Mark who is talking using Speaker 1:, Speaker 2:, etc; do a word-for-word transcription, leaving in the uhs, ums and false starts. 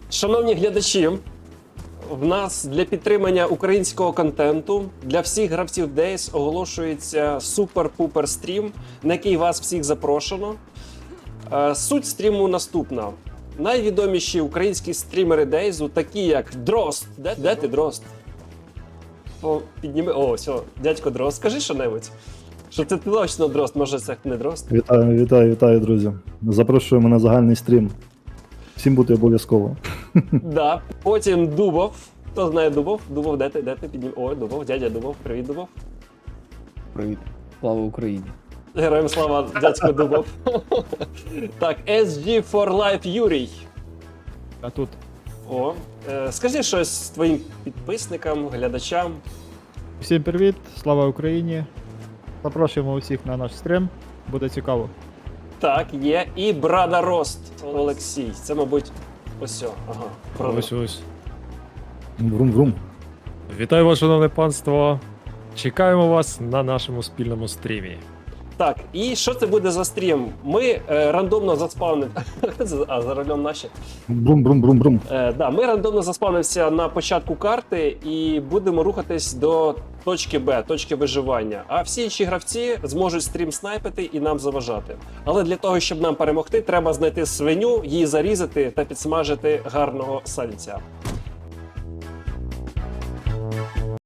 Speaker 1: Шановні глядачі, в нас для підтримання українського контенту для всіх гравців Days оголошується супер-пупер стрім, на який вас всіх запрошено. Е, Суть стріму наступна. Найвідоміші українські стрімери Days, такі як Дрозд. Де, де ти, Дрозд? О, підніми. О, все, дядько Дрозд, скажи що-небудь. Що це точно Дрозд, може це не Дрозд?
Speaker 2: Вітаю, вітаю, вітаю, друзі. Запрошуємо на загальний стрім. Всім бути обов'язково.
Speaker 1: Да. Потім Дубов. Хто знає Дубов? Дубов, де ти? Де ти? Піднім. О, Дубов, дядя Дубов. Привіт, Дубов.
Speaker 3: Привіт. Слава Україні.
Speaker 1: Героям слава, дядько Дубов. Так, ес джі for Life Юрій.
Speaker 4: А тут
Speaker 1: О, е, скажи щось твоїм підписникам, глядачам.
Speaker 4: всім привіт, слава Україні. Запрошуємо усіх на наш стрім, буде цікаво.
Speaker 1: Так, є. І Брада Рост Олексій. Це, мабуть, ось о. Ага. Брада.
Speaker 5: Ось ось.
Speaker 2: Врум-врум.
Speaker 5: Вітаю вас, шановне панство. Чекаємо вас на нашому спільному стрімі.
Speaker 1: Так, і що це буде за стрім? Ми е, рандомно заспавнили. А, за рулем наші.
Speaker 2: Брум-брум-брум-брум.
Speaker 1: Е, да, ми рандомно заспавнимося на початку карти і будемо рухатись до точки Б, точки виживання. А всі інші гравці зможуть стрім снайпити і нам заважати. Але для того, щоб нам перемогти, треба знайти свиню, її зарізати та підсмажити гарного сальця.